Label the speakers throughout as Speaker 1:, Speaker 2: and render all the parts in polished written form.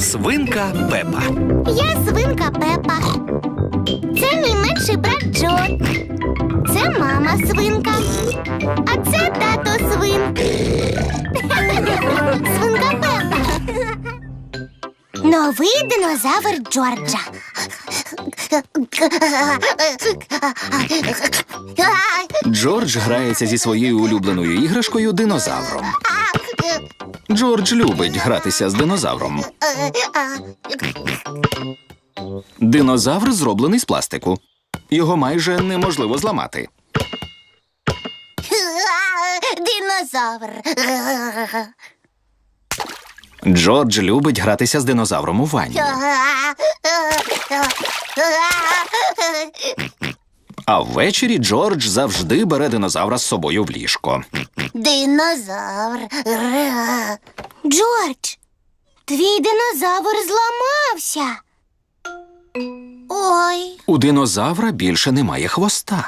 Speaker 1: Свинка Пепа.
Speaker 2: Я свинка Пепа. Це мій менший брат Джо. Це мама свинка. А це тато свин. Свинка Пепа. Новий динозавр Джорджа.
Speaker 1: Джордж грається зі своєю улюбленою іграшкою динозавром. Джордж любить гратися з динозавром. Динозавр зроблений з пластику. Його майже неможливо зламати.
Speaker 2: Динозавр.
Speaker 1: Джордж любить гратися з динозавром у ванні. А ввечері Джордж завжди бере динозавра з собою в ліжко.
Speaker 2: Динозавр. Джордж, твій динозавр зламався. Ой.
Speaker 1: У динозавра більше немає хвоста.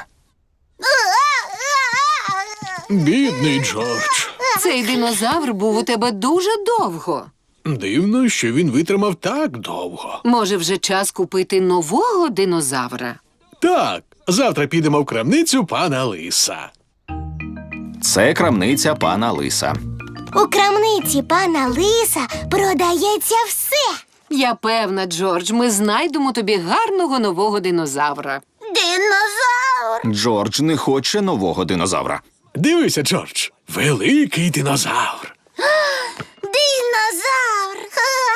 Speaker 3: Бідний Джордж.
Speaker 4: Цей динозавр був у тебе дуже довго.
Speaker 3: Дивно, що він витримав так довго.
Speaker 4: Може, вже час купити нового динозавра?
Speaker 3: Так, завтра підемо в крамницю пана Лиса.
Speaker 1: Це крамниця пана Лиса.
Speaker 2: У крамниці пана Лиса продається все.
Speaker 4: Я певна, Джордж, ми знайдемо тобі гарного нового динозавра.
Speaker 2: Динозавр.
Speaker 1: Джордж не хоче нового динозавра.
Speaker 3: Дивися, Джордж, великий динозавр.
Speaker 2: Динозавр.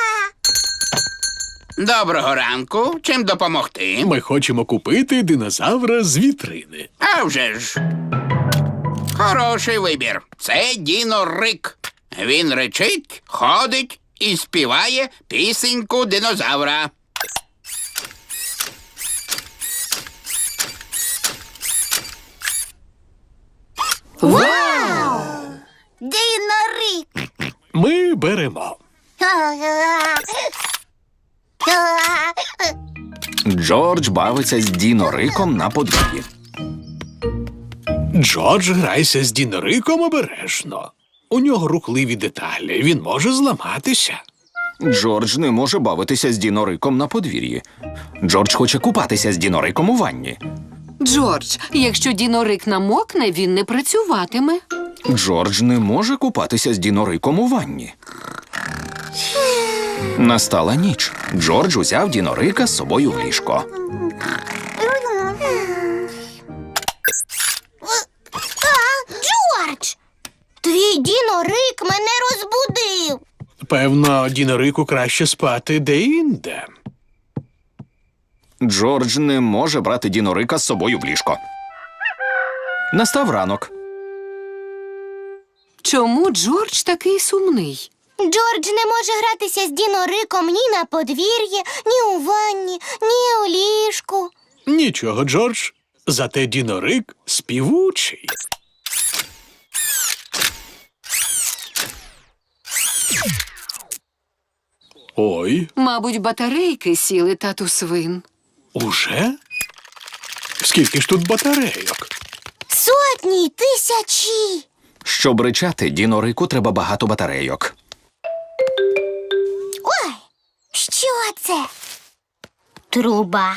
Speaker 5: Доброго ранку. Чим допомогти?
Speaker 3: Ми хочемо купити динозавра з вітрини.
Speaker 5: А вже ж. Хороший вибір. Це Діно Рик. Він речить, ходить і співає пісеньку динозавра.
Speaker 2: Вау! Динорик.
Speaker 3: Ми беремо.
Speaker 1: Джордж бавиться з Діно-Риком на подвір'ї.
Speaker 3: Джордж, грайся з Дінориком обережно. У нього рухливі деталі, він може зламатися.
Speaker 1: Джордж не може бавитися з Діно-Риком на подвір'ї. Джордж хоче купатися з Діно-Риком у ванні.
Speaker 4: Джордж, якщо дінорик намокне, він не працюватиме.
Speaker 1: Джордж не може купатися з Діно-Риком у ванні. Настала ніч. Джордж узяв Діно-Рика з собою в ліжко.
Speaker 2: Джордж, твій Дінорик мене розбудив.
Speaker 3: Певно, Дінорику краще спати де-інде.
Speaker 1: Джордж не може брати Діно-Рика з собою в ліжко. Настав ранок.
Speaker 4: Чому Джордж такий сумний?
Speaker 2: Джордж не може гратися з Дінориком ні на подвір'ї, ні у ванні, ні у ліжку.
Speaker 3: Нічого, Джордж, зате Дінорик співучий. Ой,
Speaker 4: Мабуть, батарейки сіли, тату свин.
Speaker 3: уже? Скільки ж тут батарейок?
Speaker 2: Сотні й тисячі.
Speaker 1: Щоб ричати, Діно-Рику треба багато батарейок.
Speaker 2: Ой, що це? Труба?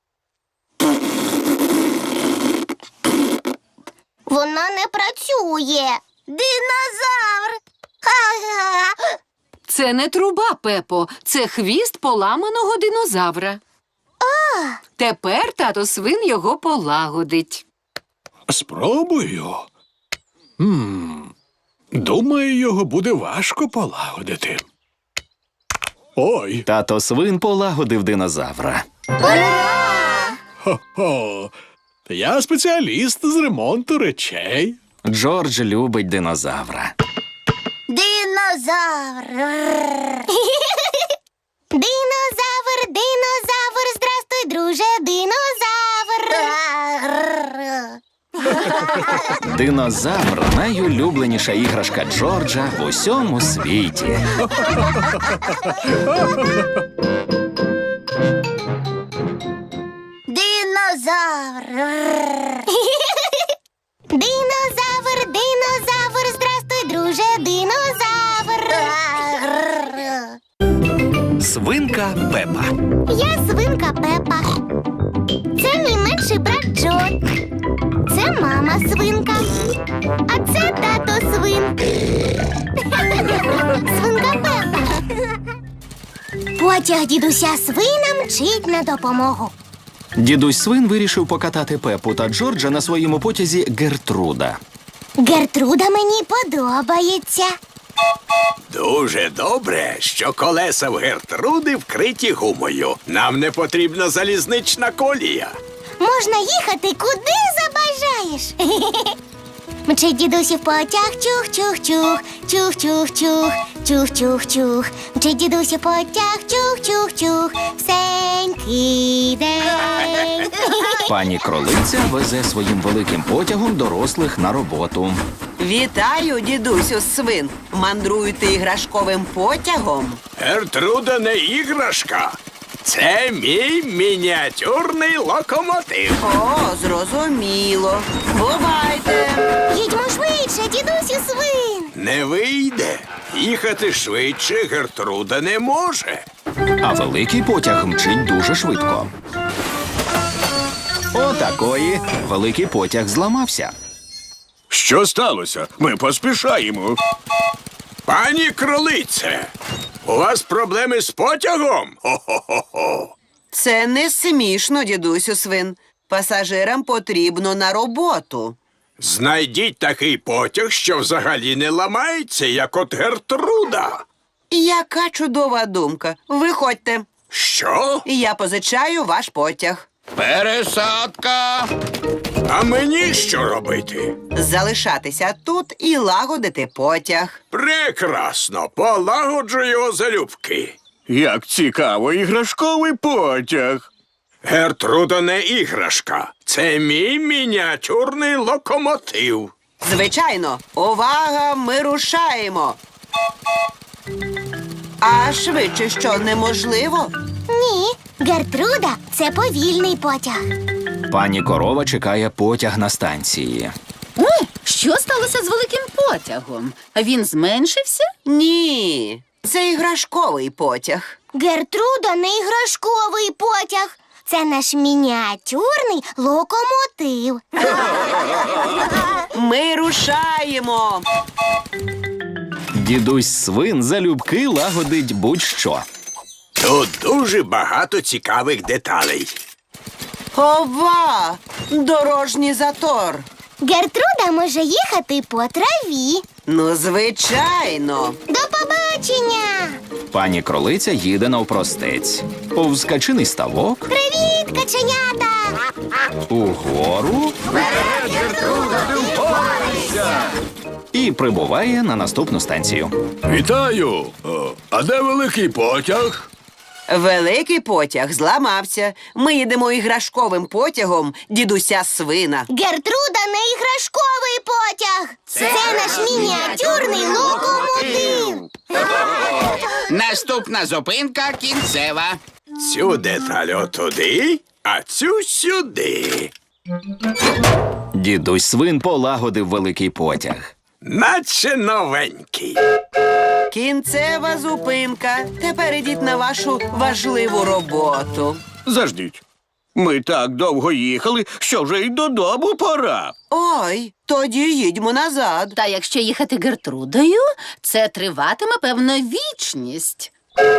Speaker 2: Вона не працює. Динозавр! Ха-ха!
Speaker 4: Це не труба, Пепо, це хвіст поламаного динозавра. Тепер тато свин його полагодить.
Speaker 3: Спробую. Думаю, його буде важко полагодити. Ой,
Speaker 1: Тато свин полагодив динозавра.
Speaker 3: хо-хо. Я спеціаліст з ремонту речей.
Speaker 1: Джордж любить динозавра.
Speaker 2: Динозавр! Динозавр, динозавр, здрастуй, друже, динозавр!
Speaker 1: Динозавр – найулюбленіша іграшка Джорджа в усьому світі.
Speaker 2: Динозавр! Динозавр, динозавр, здрастуй, друже, динозавр!
Speaker 6: Свинка Пепа.
Speaker 2: Я свинка Пепа. Це мій менший брат Джо. Це мама свинка. А це тато свин. Свинка Пепа. Потяг дідуся свина мчить на допомогу.
Speaker 1: Дідусь свин вирішив покатати Пепу та Джорджа на своєму потязі Гертруда.
Speaker 2: Гертруда мені подобається.
Speaker 7: Дуже добре, що колеса в Гертруди вкриті гумою. Нам не потрібна залізнична колія.
Speaker 2: Можна їхати куди забажаєш. Мчить дідусів потяг, чух-чух-чух, чух-чух-чух, чух-чух-чух. Мчить дідусів потяг, чух-чух-чух, всенький день.
Speaker 1: Пані Кролиця везе своїм великим потягом дорослих на роботу.
Speaker 8: Вітаю, дідусю свин. Мандруєте іграшковим потягом?
Speaker 7: Гертруда не іграшка. Це мій мініатюрний локомотив.
Speaker 8: О, зрозуміло. Бувайте.
Speaker 2: Їдьмо швидше, дідусю свин.
Speaker 7: Не вийде. Їхати швидше Гертруда не може.
Speaker 1: А великий потяг мчить дуже швидко. Отакої. Великий потяг зламався.
Speaker 7: Що сталося? Ми поспішаємо. Пані Кролице, у вас проблеми з потягом? Хо-хо-хо-хо.
Speaker 8: Це не смішно, дідусю свин. Пасажирам потрібно на роботу.
Speaker 7: Знайдіть такий потяг, що взагалі не ламається, як от Гертруда.
Speaker 8: Яка чудова думка. Виходьте.
Speaker 7: Що?
Speaker 8: Я позичаю ваш потяг.
Speaker 5: Пересадка.
Speaker 7: А мені що робити?
Speaker 8: Залишатися тут і лагодити потяг.
Speaker 7: Прекрасно, полагоджу його залюбки.
Speaker 6: Як цікаво, іграшковий потяг.
Speaker 7: Гертруда не іграшка. Це мій мініатюрний локомотив.
Speaker 8: Звичайно, увага, ми рушаємо. А швидше що, неможливо?
Speaker 2: Ні, Гертруда – це повільний потяг.
Speaker 1: Пані Корова чекає потяг на станції.
Speaker 4: Що сталося з великим потягом? Він зменшився?
Speaker 8: Ні, це іграшковий потяг.
Speaker 2: Гертруда не іграшковий потяг. Це наш мініатюрний локомотив.
Speaker 8: Ми рушаємо.
Speaker 1: Дідусь свин залюбки лагодить будь-що.
Speaker 7: Тут дуже багато цікавих деталей.
Speaker 8: Ова! Дорожній затор.
Speaker 2: Гертруда може їхати по траві.
Speaker 8: Ну, звичайно.
Speaker 2: До побачення!
Speaker 1: Пані Кролиця їде навпростець. Повз качиний ставок,
Speaker 2: Привіт, каченята!
Speaker 1: угору і прибуває на наступну станцію.
Speaker 6: Вітаю! А де великий потяг?
Speaker 8: Великий потяг зламався. Ми їдемо іграшковим потягом дідуся свина.
Speaker 2: Гертруда не іграшковий потяг. Це наш мініатюрний локомотив.
Speaker 5: Наступна зупинка кінцева.
Speaker 7: Цю деталь отуди, а цю сюди.
Speaker 1: Дідусь свин полагодив великий потяг.
Speaker 7: Наче новенький.
Speaker 8: Кінцева зупинка. Тепер ідіть на вашу важливу роботу.
Speaker 6: Заждіть. Ми так довго їхали, що вже й додому пора.
Speaker 8: Ой, тоді їдьмо назад.
Speaker 4: Та якщо їхати Гертрудою, це триватиме, певно, вічність.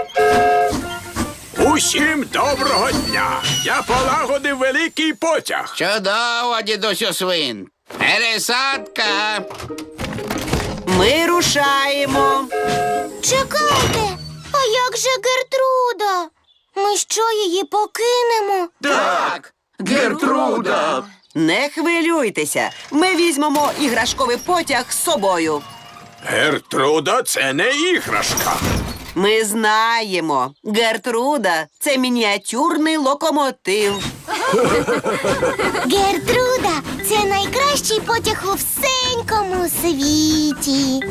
Speaker 7: Усім доброго дня! Я полагодив великий потяг.
Speaker 5: Чудово, дідусю свин. Пересадка.
Speaker 8: Ми рушаємо.
Speaker 2: Чекайте, а як же Гертруда? Ми що, її покинемо?
Speaker 6: Так, Гертруда!
Speaker 8: Не хвилюйтеся. Ми візьмемо іграшковий потяг з собою.
Speaker 7: Гертруда – це не іграшка.
Speaker 8: Ми знаємо. Гертруда – це мініатюрний локомотив.
Speaker 2: Гертруда – це найкращий потяг у всенькому світі.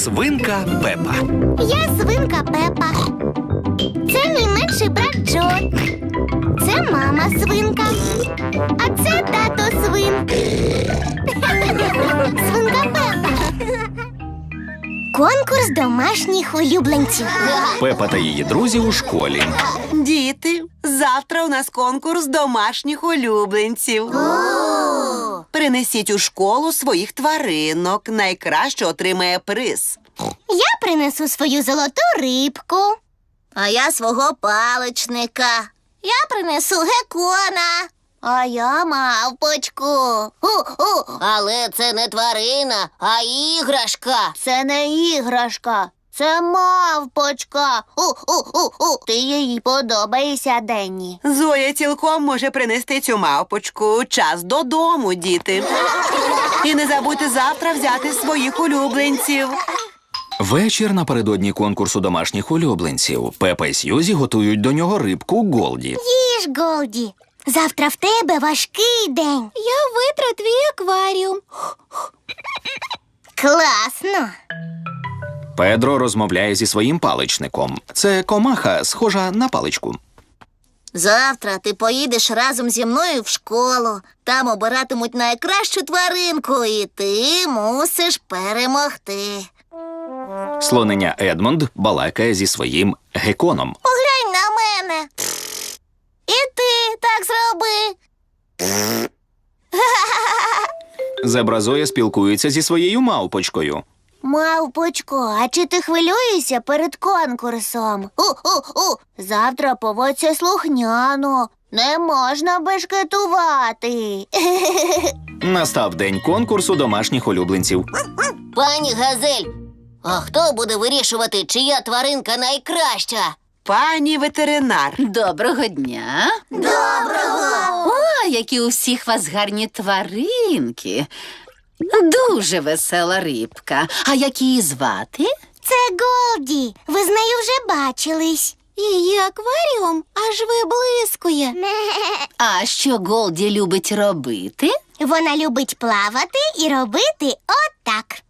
Speaker 9: свинка Пепа.
Speaker 2: Я свинка Пепа. Це мій менший брат Джо. Це мама свинка. А це тато свин. Свинка Пепа. Конкурс домашніх улюбленців.
Speaker 1: Пепа та її друзі у школі.
Speaker 8: Діти, завтра у нас конкурс домашніх улюбленців. Принесіть у школу своїх тваринок. Найкраще отримає приз.
Speaker 2: Я принесу свою золоту рибку. А я свого паличника. Я принесу геккона. А я мавпочку. Але це не тварина, а іграшка. Це не іграшка. Це мавпочка. Ти їй подобаєшся, Денні.
Speaker 8: Зоя цілком може принести цю мавпочку. Час додому, діти. І не забудьте завтра взяти своїх улюбленців.
Speaker 1: Вечір напередодні конкурсу домашніх улюбленців. Пепа і Сьюзі готують до нього рибку Голді.
Speaker 2: Їж, Голді. Завтра в тебе важкий день. Я витру твій акваріум. Класно.
Speaker 1: Педро розмовляє зі своїм паличником. Це комаха, схожа на паличку.
Speaker 2: Завтра ти поїдеш разом зі мною в школу. Там обиратимуть найкращу тваринку, і ти мусиш перемогти.
Speaker 1: Слонення Едмонд балакає зі своїм гекконом.
Speaker 2: Поглянь на мене. І ти так зроби.
Speaker 1: Зебра Зоя спілкується зі своєю мавпочкою.
Speaker 2: Мавпочко, а чи ти хвилюєшся перед конкурсом? Завтра поводься слухняно. Не можна бешкетувати.
Speaker 1: Настав день конкурсу домашніх улюбленців.
Speaker 2: Пані Газель, а хто буде вирішувати, чия тваринка найкраща?
Speaker 8: Пані ветеринар.
Speaker 4: Доброго дня.
Speaker 2: Доброго!
Speaker 4: О, які у всіх вас гарні тваринки. Дуже весела рибка. А як її звати?
Speaker 2: Це Голді. Ви з нею вже бачились. Її акваріум аж виблискує.
Speaker 4: А що Голді любить робити?
Speaker 2: Вона любить плавати і робити отак.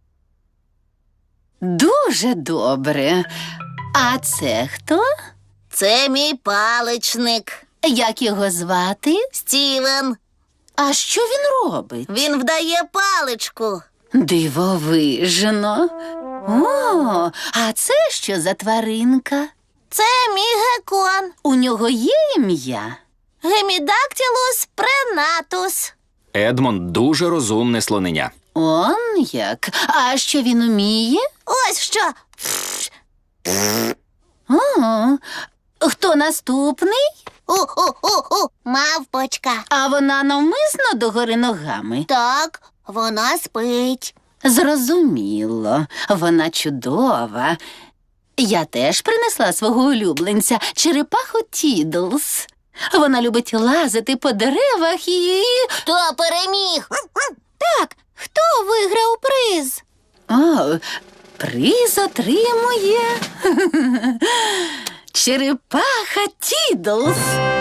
Speaker 4: Дуже добре. А це хто?
Speaker 2: Це мій паличник.
Speaker 4: Як його звати?
Speaker 2: Стівен.
Speaker 4: А що він робить?
Speaker 2: Він вдає паличку.
Speaker 4: Дивовижно. О, а це що за тваринка?
Speaker 2: Це мій геккон.
Speaker 4: У нього є ім'я?
Speaker 2: Гемідактилус пренатус.
Speaker 1: Едмонд дуже розумне слонення.
Speaker 4: Он як? А що він уміє?
Speaker 2: Ось що.
Speaker 4: О, хто наступний?
Speaker 2: Мавпочка.
Speaker 4: А вона навмисно догори ногами?
Speaker 2: Так, вона спить.
Speaker 4: Зрозуміло, вона чудова. Я теж принесла свого улюбленця, черепаху Тідлс. Вона любить лазити по деревах і...
Speaker 2: Хто переміг? Так, хто виграв приз?
Speaker 4: О, приз отримує черепаха Тідлс.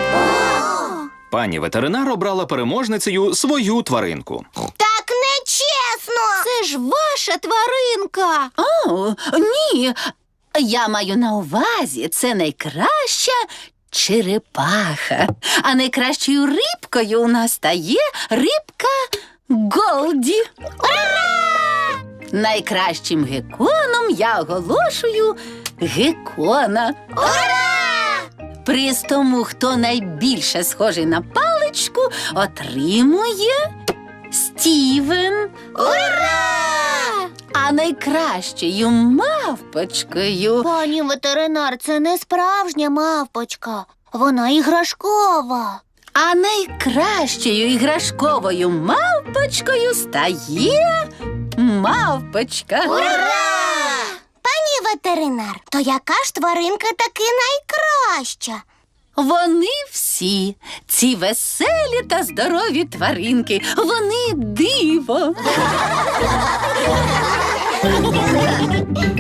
Speaker 1: Пані ветеринар обрала переможницею свою тваринку.
Speaker 2: Так нечесно! Це ж ваша тваринка!
Speaker 4: О, ні, я маю на увазі, це найкраща черепаха. А найкращою рибкою у нас стає рибка Голді. Ура! Найкращим гекконом я оголошую геккона.
Speaker 2: Ура!
Speaker 4: Приз тому, хто найбільше схожий на паличку, отримує Стівен.
Speaker 2: Ура!
Speaker 4: А найкращою мавпочкою...
Speaker 2: Пані ветеринар, це не справжня мавпочка. Вона іграшкова.
Speaker 4: А найкращою іграшковою мавпочкою стає мавпочка.
Speaker 2: Ура! Пані ветеринар, то яка ж тваринка таки найкраща?
Speaker 4: Вони всі, ці веселі та здорові тваринки, вони диво.